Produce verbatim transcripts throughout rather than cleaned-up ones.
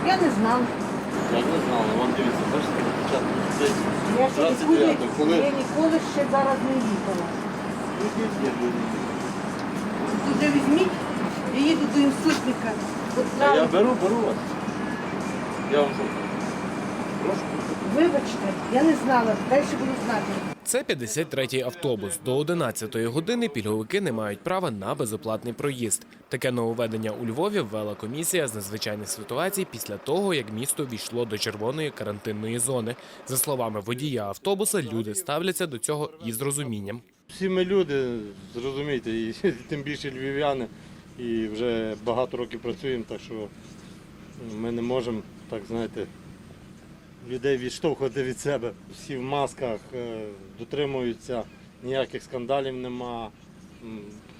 Я не знала. Як не знали, вон дивіться, бачите, на початку десь Я ще двадцять ніколи, дев'ятого, коли я ніколи ще зараз не їхала. Тут вже візьміть, я їду до інститутника. От Та я там, беру, беру вас. Я вам що? Прошу. вибачте, я не знала, далі буду знати. Це п'ятдесят третій автобус. До одинадцятої години пільговики не мають права на безоплатний проїзд. Таке нововведення у Львові ввела комісія з надзвичайних ситуацій після того, як місто війшло до червоної карантинної зони. За словами водія автобуса, люди ставляться до цього із розумінням. Всі ми люди, зрозумійте, і тим більше львів'яни, і вже багато років працюємо, так що ми не можемо, так знаєте, людей відштовхувати від себе. Всі в масках, е, дотримуються, ніяких скандалів нема. М,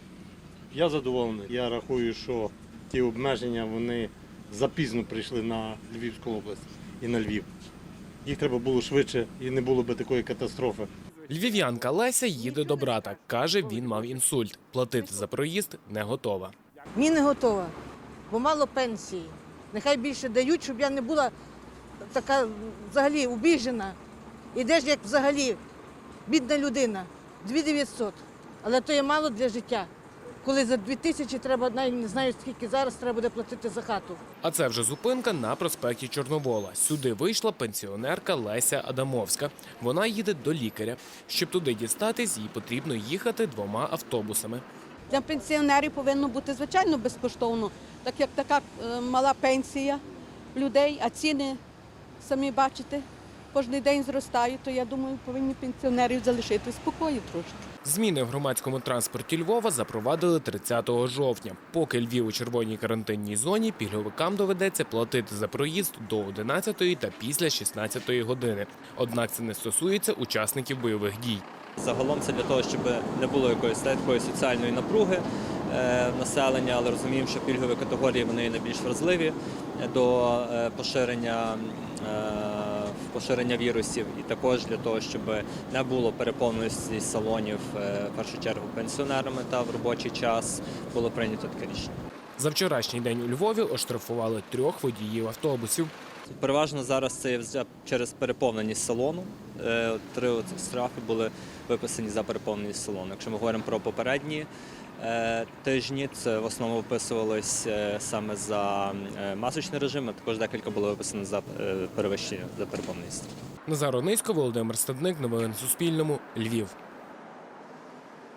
Я задоволений. Я рахую, що ті обмеження, вони запізно прийшли на Львівську область і на Львів. Їх треба було швидше і не було би такої катастрофи. Львів'янка Леся їде до брата. Каже, він мав інсульт. Платити за проїзд не готова. Ні, не готова, бо мало пенсії. Нехай більше дають, щоб я не була така взагалі убіжена. Ідеш як взагалі бідна людина, дві тисячі дев'ятсот. Але то є мало для життя. Коли за дві тисячі треба, навіть не знаю, скільки зараз треба буде платити за хату. А це вже зупинка на проспекті Чорновола. Сюди вийшла пенсіонерка Леся Адамовська. Вона їде до лікаря. Щоб туди дістатись, їй потрібно їхати двома автобусами. Для пенсіонерів повинно бути, звичайно, безкоштовно, так як така е, мала пенсія людей, а ціни, самі бачите, кожен день зростають, то я думаю, повинні пенсіонерів залишити в спокої трошки. Зміни в громадському транспорті Львова запровадили тридцятого жовтня. Поки Львів у червоній карантинній зоні, пільговикам доведеться платити за проїзд до одинадцятої та після шістнадцятої години. Однак це не стосується учасників бойових дій. Загалом це для того, щоб не було якоїсь такої соціальної напруги е, населення, але розуміємо, що пільгові категорії вони найбільш вразливі до е, поширення, е, поширення вірусів. І також для того, щоб не було переповненості салонів, е, в першу чергу пенсіонерами та в робочий час, було прийнято таке рішення. За вчорашній день у Львові оштрафували трьох водіїв автобусів. Переважно зараз це є через переповненість салону. Е, Три штрафи були виписані за переповненість салону. Якщо ми говоримо про попередні е, тижні, це в основному виписувалось е, саме за е, масочний режим, а також декілька було виписано за е, перевищення, за переповненість. Назар Онисько, Володимир Стадник. Новини на Суспільному. Львів.